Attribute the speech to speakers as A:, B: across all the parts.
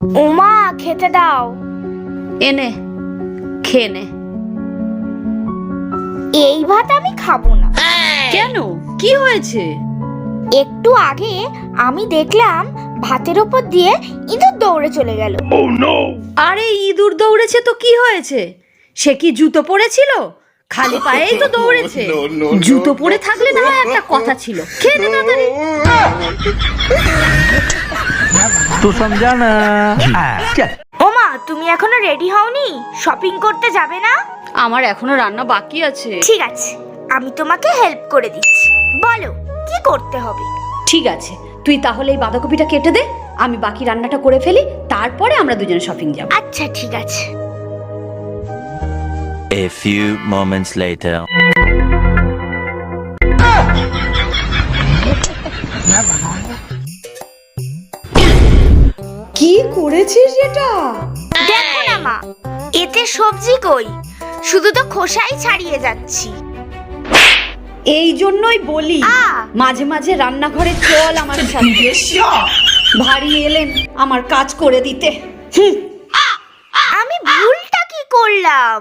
A: ওমা খেতে দাও।
B: এনে খেয়ে নে।
A: এই ভাত আমি খাবো না।
B: কেন, কি হয়েছে?
A: একটু আগে আমি দেখলাম ভাতের ওপর দিয়ে ইঁদুর দৌড়ে চলে গেল।
B: আরে ইঁদুর দৌড়েছে তো কি হয়েছে? সে কি জুতো পরেছিল? খালি পায়েই তো দৌড়েছে। জুতো পরে থাকলে না হয় একটা কথা ছিল। খেয়ে নে তাড়াতাড়ি।
C: तू समझा ना।
A: ওমা তুমি এখনো রেডি হওনি? শপিং করতে যাবে না?
B: আমার এখনো রান্না বাকি আছে।
A: ঠিক আছে, আমি তোমাকে হেল্প করে দিচ্ছি। বলো কি করতে হবে?
B: ঠিক আছে, তুই তাহলে এই বাঁধাকপিটা কেটে দে, আমি বাকি রান্নাটা করে ফেলি, তারপরে আমরা দুজনে শপিং যাব।
A: আচ্ছা ঠিক আছে।
D: A few moments later.
B: কি করেছিস এটা?
A: দেখো না মা, এতে সবজি কই, শুধু তো খোসাই ছাড়িয়ে যাচ্ছি।
B: এই জন্যই বলি মাঝে মাঝে রান্নাঘরে চল আমার সাথে। ভারী এলেন আমার কাজ করে দিতে।
A: আমি ভুলটা কি করলাম?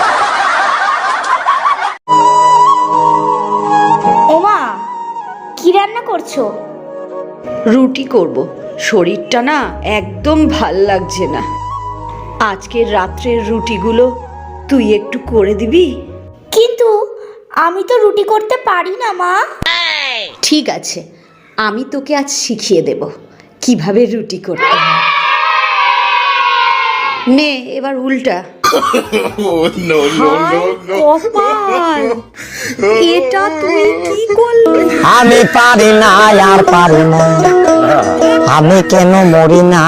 A: ওমা কি রান্না করছো?
B: রুটি করব, শরীরটা না একদম ভাল লাগছে না। আজকের রাত্রের রুটিগুলো তুই একটু করে দিবি?
A: কিন্তু আমি তো রুটি করতে পারি না মা।
B: ঠিক আছে, আমি তোকে আজ শিখিয়ে দেব কিভাবে রুটি করতে হয়। নে এবার উল্টা। কপাল, এটা তুই কি করলি?
E: আমি পারি না আর পারি না, আমি কেন মরি না।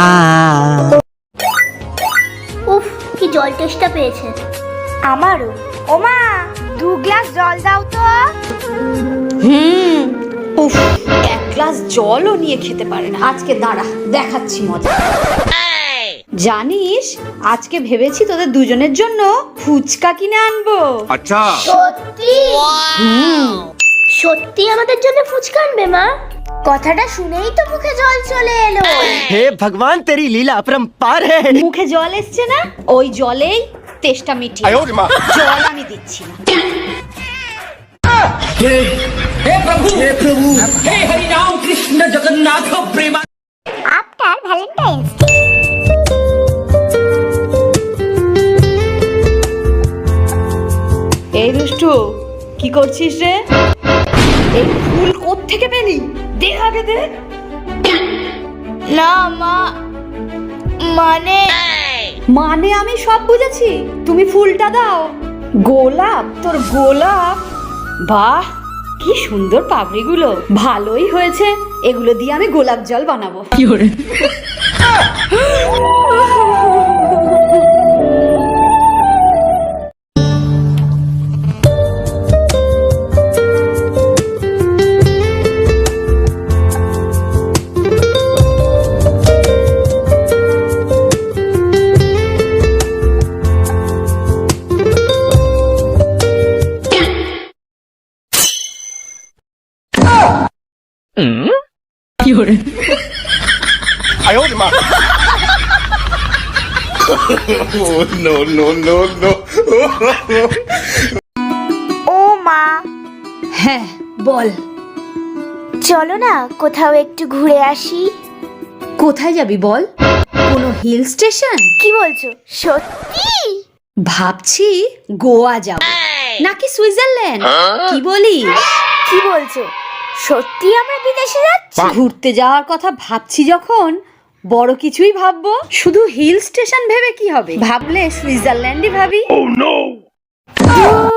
A: উফ কি জল তেষ্টা পেয়েছে আমারও। ওমা 2 গ্লাস জল দাও তো।
B: উফ, এক গ্লাস জলও নিয়ে খেতে পারে না। আজকে দাঁড়া, দেখাচ্ছি মজা। জানিস আজকে ভেবেছি তোদের দুজনের জন্য ফুচকা কিনে আনবো।
C: अच्छा
A: সত্যি? সত্যি আমাদের জন্য ফুচকা আনবে মা? কথাটা শুনেই তো মুখে জল চলে এলো।
E: हे भगवान तेरी लीला अपरंपार है।
B: মুখে জল এসছে না, ওই জলেই তেষ্টা মিটিয়ে জল আমি দিচ্ছি না।
A: আফটার ভ্যালেন্টাইন্স
B: এই দুষ্টু, কি করছিস রে? এই ফুল কোত্থেকে পেলি? দে আগে দে।
A: না মা, মানে
B: মানে আমি সব বুঝেছি, তুমি ফুলটা দাও। গোলাপ? তোর গোলাপ? বাহ কি সুন্দর পাপড়িগুলো, ভালোই হয়েছে, এগুলো দিয়ে আমি গোলাপ জল বানাবো। কি করে?
A: ও মা,
B: হ্যাঁ বল।
A: চলো না কোথাও একটু ঘুরে আসি।
B: কোথায় যাবি বল? কোনো হিল স্টেশন?
A: কি বলছো সত্যি?
B: ভাবছি গোয়া যাব নাকি সুইজারল্যান্ড, কি বলিস?
A: কি বলছো সত্যি আমরা বিদেশে যাচ্ছি?
B: ঘুরতে যাওয়ার কথা ভাবছি যখন বড় কিছুই ভাববো। শুধু হিল স্টেশন ভেবে কি হবে, ভাবলে সুইজারল্যান্ডই ভাবি।